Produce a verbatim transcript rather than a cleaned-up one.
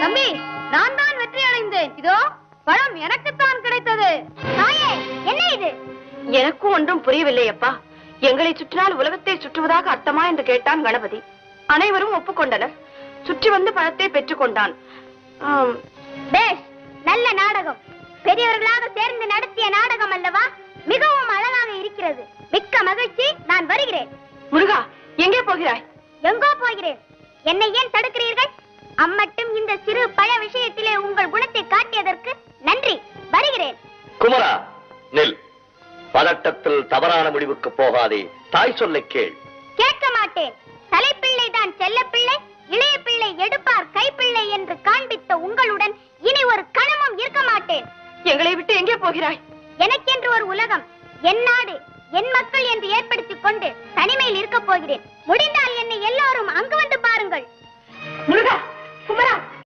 தம்பி, நான் தான் வெற்றி அடைந்தேன். இதோ பழம் எனக்குத்தான் கிடைத்தது. தாயே, என்ன இது? எனக்கும் ஒன்றும் புரியவில்லை அப்பா. எங்களை சுற்றினால் உலகத்தை சுற்றுவதாக அர்த்தமா என்று கேட்டான் கணபதி. அனைவரும் ஒப்புக்கொண்டனர். சுற்றி வந்து பழத்தை பெற்றுக் கொண்டான். பேஷ், நல்ல நாடகம். பெரியவர்களாக சேர்ந்து நடத்திய நாடகம் அல்லவா? மிகவும் அழகாக இருக்கிறது. மிக்க மகிழ்ச்சி. நான் வருகிறேன். முருகா, எங்கே போகிறாய்? எங்கோ போகிறேன். என்னை ஏன் தடுக்கிறீர்கள்? அம்மட்டும் இந்த சிறு பழ விஷயத்திலே உங்கள் குணத்தை காட்டியதற்கு நன்றி. வருகிறேன். குமரா, நில். பதட்டத்தில் தவறான முடிவுக்கு போகாதே. தாய் சொல்லை கேள். கேட்க மாட்டேன். தலைப்பிள்ளை தான் செல்ல பிள்ளை, இளைய பிள்ளை எடுப்பார் கைப்பிள்ளை என்று காண்பித்த உங்களுடன் இனி ஒரு கணமும் இருக்க மாட்டேன். எங்களை விட்டு எங்கே போகிறாய்? எனக்கென்று ஒரு உலகம், என் நாடு, என் மக்கள் என்று ஏற்படுத்திக் கொண்டு தனிமையில் இருக்க போகிறேன். முடிந்தால் என்னை எல்லோரும் அங்கு வந்து பாருங்கள். முருகா, குமரா,